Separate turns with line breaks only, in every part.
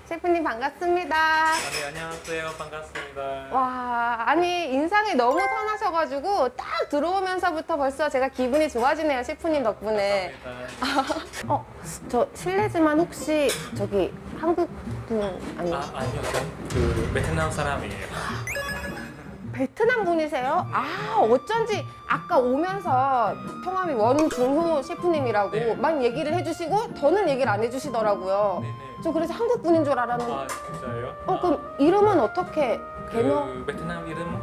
셰프님 반갑습니다.
네, 안녕하세요. 반갑습니다.
와, 아니 인상이 너무 선하셔가지고 딱 들어오면서부터 벌써 제가 기분이 좋아지네요, 셰프님 덕분에.
감사합니다.
저 실례지만 혹시 저기 한국 분 아니에요?
아니요. 그 베트남 사람이에요.
베트남 분이세요? 어쩐지 아까 오면서 성함이 원중호 셰프님이라고
네.
막 얘기를 해주시고 더는 얘기를 안 해주시더라고요.
네네.
저 그래서 한국 분인 줄 알았는데.
진짜요?
그럼 이름은 어떻게 개명?
그 베트남 이름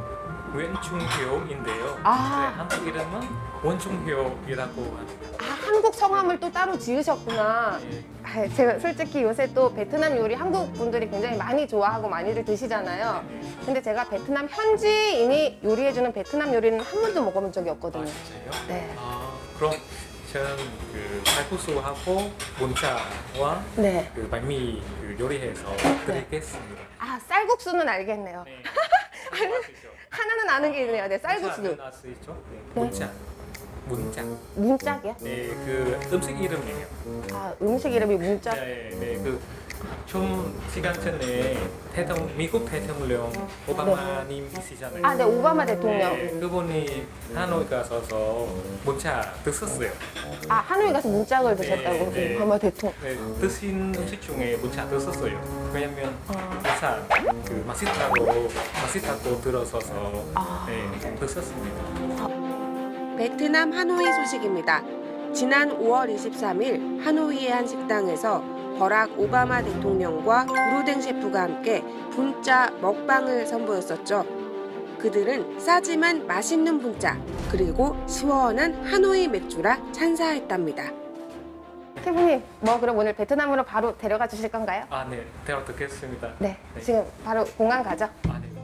웬충효인데요.
아.
네, 한국 이름은 원충효이라고 합니다.
한국 성함을 또 따로 지으셨구나.
네.
제가 솔직히 요새 또 베트남 요리 한국 분들이 굉장히 많이 좋아하고 많이들 드시잖아요. 근데 제가 베트남 현지인이 요리해주는 베트남 요리는 한 번도 먹어본 적이 없거든요.
진짜요?
네.
그럼 저는 그 칼국수하고 문자와
네.
그 반미 그 요리해서 드리겠습니다.
쌀국수는 알겠네요.
네. 아시죠?
하나는 아는 게 있네요. 네, 쌀국수.
아시죠? 네.
네.
문자. 문자.
문짝이요?
네, 그 음식 이름이에요.
음식 이름이 문짝.
네, 네, 그 좀 시간 전에 미국 대통령 오바마님이시잖아요.
네, 오바마 대통령.
네, 그분이 하노이 가서서 문자 드셨어요.
하노이 가서 문짝을 드셨다고.
네, 네.
오바마 대통령.
네, 드신 음식 중에 문자 드셨어요. 왜냐면 문자 그 맛있다고 들어서서 네, 드셨습니다.
베트남 하노이 소식입니다. 지난 5월 23일 하노이의 한 식당에서 버락 오바마 대통령과 브루댕 셰프가 함께 분짜 먹방을 선보였었죠. 그들은 싸지만 맛있는 분짜 그리고 시원한 하노이 맥주라 찬사했답니다. 셰프님, 그럼 오늘 베트남으로 바로 데려가 주실 건가요?
네, 대화 듣겠습니다.
네, 지금 바로 공항 가죠.